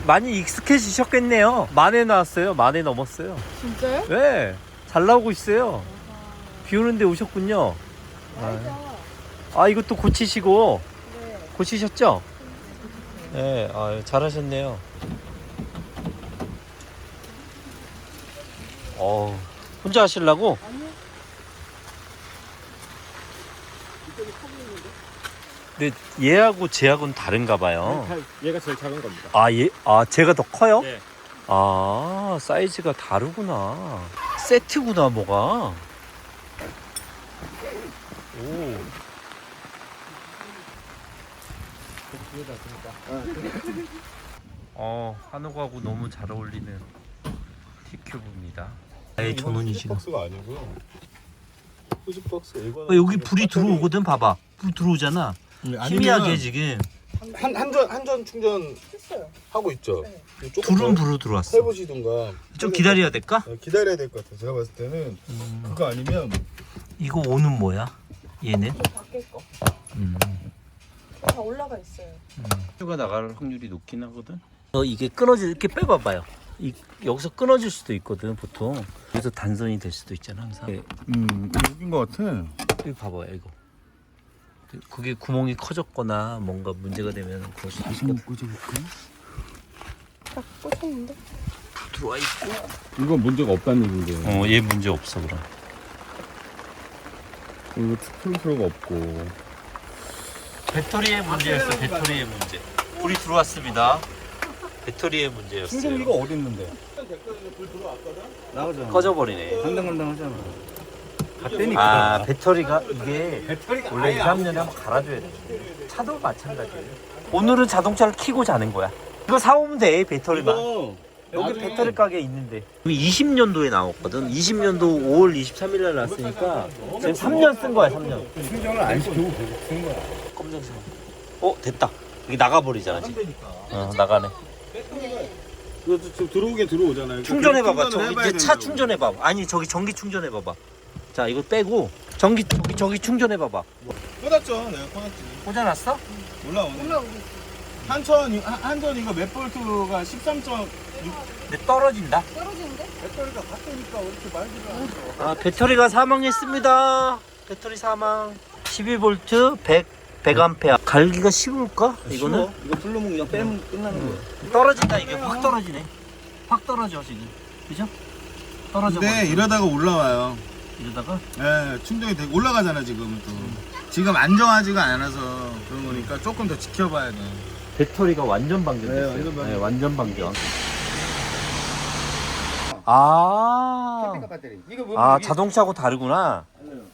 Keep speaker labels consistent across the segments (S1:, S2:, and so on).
S1: 많이 익숙해지셨겠네요. 만에 나왔어요. 만에 넘었어요.
S2: 진짜요?
S1: 네, 잘 나오고 있어요. 비 오는데 오셨군요. 아, 이것도 고치시고.
S2: 네.
S1: 고치셨죠? 네, 잘하셨네요. 혼자 하시려고?
S2: 아니요.
S1: 근데 얘하고 쟤하고는 다른가 봐요.
S3: 얘가 제일 작은 겁니다.
S1: 쟤가 더 커요?
S3: 네.
S1: 사이즈가 다르구나. 세트구나, 뭐가. 오. 한옥하고 너무 잘 어울리는 티큐브입니다. 전원이 지금.
S4: 박스가 아니고요. 후지 박스
S1: 여기 불이 들어오거든, 봐봐. 불 들어오잖아. 희미하게 지금.
S4: 한전 충전
S2: 했어요.
S4: 하고 있죠.
S2: 네.
S4: 조금
S1: 불은
S4: 더
S1: 들어왔어.
S4: 해보시든가.
S1: 좀 기다려야 될까?
S4: 기다려야 될 것 같아요. 제가 봤을 때는 그거 아니면
S1: 이거 오는 뭐야? 얘는?
S2: 저 밖에 거. 다 올라가 있어요.
S1: 휴가 나갈 확률이 높긴 하거든. 이게 끊어질 이렇게 빼봐봐요. 여기서 끊어질 수도 있거든 보통. 그래서 단선이 될 수도 있잖아 항상.
S4: 여긴 것 같아.
S1: 여기 봐봐요 이거. 그게 구멍이 커졌거나 뭔가 문제가 되면 그럴 수도 있겠다.
S4: 꽂아볼까?
S2: 딱 꽂혔는데?
S1: 들어와 있고.
S4: 이건 문제가 없다는 얘기인데.
S1: 얘 문제 없어 그럼.
S4: 이거 풀프로가 없고.
S1: 배터리의 문제였어. 배터리의 문제. 불이 들어왔습니다. 배터리의 문제였어요.
S4: 충전기가 어디 있는데? 불 들어왔거든? 나오잖아.
S1: 꺼져버리네.
S4: 간당간당하잖아. 갔다니까.
S1: 배터리가 이게 원래 2, 3년에 한번 갈아줘야 돼. 차도 마찬가지예요. 오늘은 자동차를 켜고 자는 거야. 이거 사오면 돼 배터리만. 여기 배터리 가게 있는데. 20년도에 나왔거든. 20년도 5월 23일 날 나왔으니까 지금 3년 쓴 거야 3년.
S4: 충전을 안 시키고 계속 쓰는 거야.
S1: 검정색. 됐다. 여기 나가버리잖아 지금. 나가네.
S4: 그래도 지금 들어오긴 들어오잖아요.
S1: 충전해봐봐.
S4: 충전을 해봐야
S1: 이제 차
S4: 된다고.
S1: 충전해봐봐. 아니 저기 전기 충전해봐봐. 자 이거 빼고 저기 충전해봐봐.
S4: 꽂았죠. 내가 꽂았지.
S1: 꽂아놨어?
S4: 올라오네.
S2: 올라오고 있어.
S4: 한전 이거 몇 볼트가 13.6
S1: 근데 떨어진다.
S2: 떨어지는데?
S4: 배터리가 같으니까 왜 이렇게 말지가 않아.
S1: 배터리가 사망했습니다. 배터리 사망. 12V 100A. 갈기가 쉬울까? 이거는?
S4: 이거 풀로면 그냥 빼면 끝나는 거야.
S1: 떨어진다. 이게 확 떨어지네. 확 떨어져 지금. 그죠? 떨어져.
S4: 네, 이러다가 올라와요.
S1: 이러다가
S4: 예, 충전이 되게 올라가잖아 지금 또. 지금 안정하지가 않아서 그런 거니까 조금 더 지켜봐야 돼.
S1: 배터리가 완전 방전됐어요.
S4: 네, 완전 방전.
S1: 완전 방전.
S4: 배터리. 이거
S1: 자동차하고 다르구나.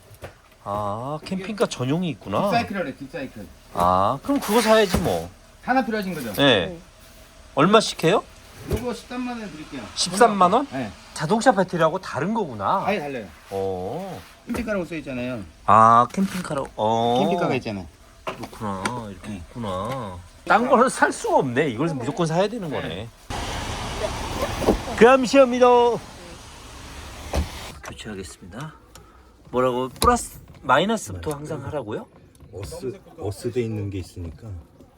S1: 캠핑카 전용이 있구나.
S5: 딥사이클이래, 딥사이클.
S1: 그럼 그거 사야지 뭐.
S5: 하나 필요하신 거죠?
S1: 네. 얼마씩 해요?
S5: 요거 13만 원에 드릴게요.
S1: 13만 원?
S5: 네.
S1: 자동차 배터리하고 다른 거구나.
S5: 아예 달라요. 캠핑카라고 써 있잖아요.
S1: 캠핑카로.
S5: 캠핑카가 있잖아요.
S1: 그렇구나. 이렇게 있구나. 딴 거는 살 수가 없네. 이걸 무조건 사야 되는 거네. 감사합니다. 교체하겠습니다. 뭐라고? 플러스 마이너스부터 항상 하라고요?
S6: 어스돼 있는 게 있으니까.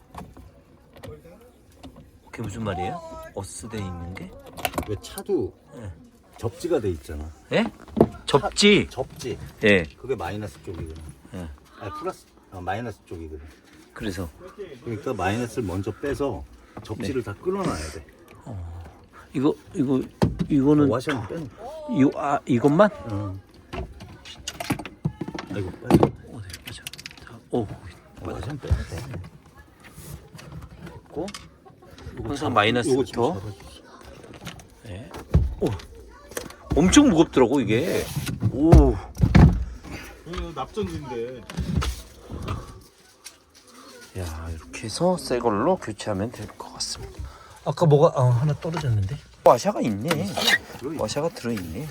S1: 그게 무슨 말이에요? 어스돼 있는 게?
S6: 왜 차도
S1: 네.
S6: 접지가 돼 있잖아.
S1: 예? 접지.
S6: 접지.
S1: 예.
S6: 그게 마이너스 쪽이거든.
S1: 예.
S6: 플러스 마이너스 쪽이거든.
S1: 그래서
S6: 그러니까 마이너스를 먼저 빼서 접지를 다 끊어놔야 돼.
S1: 이거는
S6: 와셔는 빼.
S1: 이것만?
S6: 아이고 빨리.
S1: 네, 맞아.
S6: 와셔는 빼야 돼.
S1: 됐고. 항상 마이너스부터. 네. 엄청 무겁더라고 이게.
S4: 납전지인데.
S1: 야, 이렇게 해서 새 걸로 교체하면 될 것 같습니다. 아까 뭐가 하나 떨어졌는데? 와샤가 있네. 와샤가 들어있네.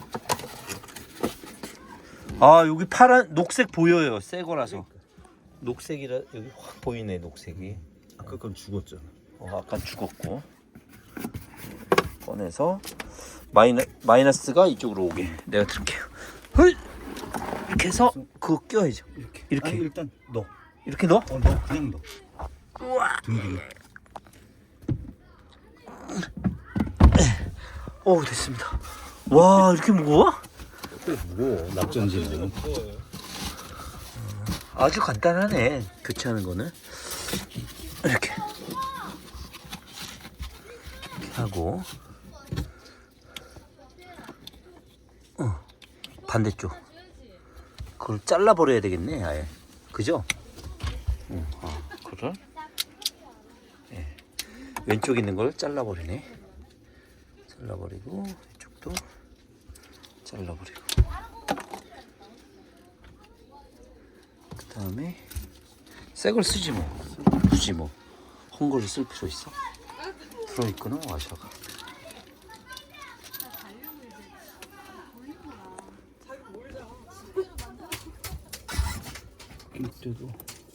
S1: 여기 파란 녹색 보여요. 새 거라서. 녹색이라 여기 확 보이네. 녹색이.
S6: 아까 건 죽었잖아.
S1: 아까 죽었고. 꺼내서 마이너스가 이쪽으로 오게 내가 들게요. 이렇게 해서 그거 껴야죠. 이렇게.
S6: 아니, 일단 넣어.
S1: 이렇게 넣어?
S6: 넣어. 그냥 넣어.
S1: 우와.
S6: 둥둥.
S1: 오 됐습니다. 와 이렇게 무거워?
S6: 무거워 낙전지는.
S1: 아주 간단하네 교체하는 거는. 이렇게 하고 반대쪽 그걸 잘라 버려야 되겠네 아예. 그죠? 그걸 네. 왼쪽 있는 걸 잘라 버리네. 잘라 버리고 이쪽도 잘라 버리고 그 다음에 새 걸 쓰지 뭐. 굳이 뭐 헝거를 쓸 필요 있어? 들어있구나 와셔가. 이때도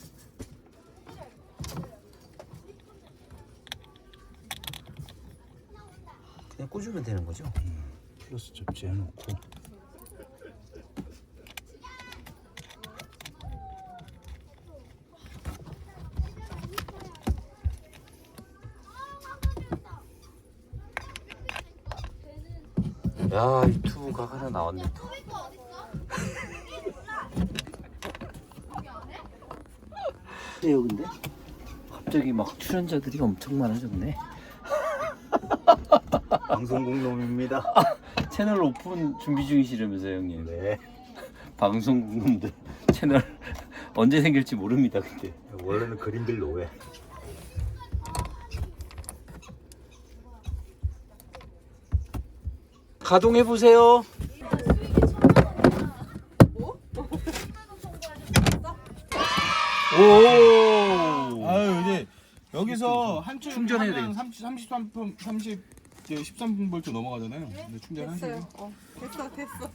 S1: 그냥 꽂으면 되는 거죠?
S6: 플러스 접지 해놓고.
S1: 야 유튜브가 하나 나왔네 또. 그래요 근데 갑자기 막 출연자들이 엄청 많아졌네.
S6: 방송국 놈입니다.
S1: 채널 오픈 준비 중이시라면서요 형님.
S6: 네.
S1: 방송국 놈들 채널 언제 생길지 모릅니다 근데.
S6: 원래는 그림들 노예.
S1: 가동해 보세요. 오.
S4: 아유 이제 여기서 한쪽
S1: 충전해야
S4: 하면 13V 넘어가잖아요. 근데 충전하세요.
S2: 됐어요. 됐어.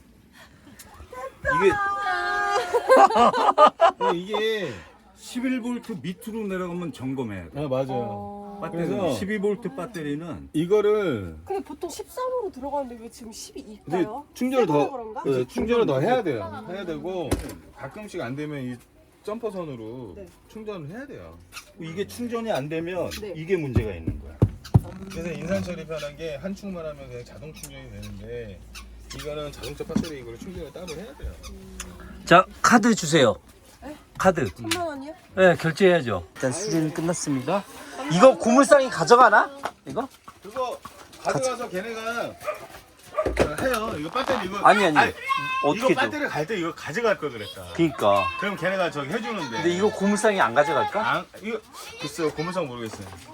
S4: 이게
S6: 11V 밑으로 내려가면 점검해야 돼.
S4: 맞아요.
S6: 배터리
S4: 그래서
S6: 12V 배터리는
S4: 이거를
S2: 근데 보통 13으로 들어가는데 왜 지금
S4: 근데
S2: 12일까요?
S4: 충전을 더
S2: 그런가?
S4: 충전을 더 해야 돼요. 해야 되고 가끔씩 안 되면 이 점퍼선으로
S2: 네.
S4: 충전을 해야 돼요.
S6: 이게 충전이 안 되면
S2: 네.
S6: 이게 문제가 있는 거야.
S4: 그래서 인산 처리편한 게 한 충만 하면 그냥 자동 충전이 되는데 이거는 자동차 배터리 이걸 충전을 따로 해야 돼요.
S1: 자 카드 주세요.
S2: 에?
S1: 카드.
S2: 3만 원이요?
S1: 네 결제해야죠. 일단 수리는 끝났습니다. 이거 고물상이 가져가나? 이거?
S4: 그거 가져가서 걔네가 해요. 이거 배터리 이거
S1: 아니
S4: 이거
S1: 어떻게 줘?
S4: 배터리 갈 때 이거 가져갈 걸 그랬다.
S1: 그니까.
S4: 그럼 걔네가 저기 해주는데.
S1: 근데 이거 고물상이 안 가져갈까?
S4: 이거 글쎄요 고무상 모르겠어요.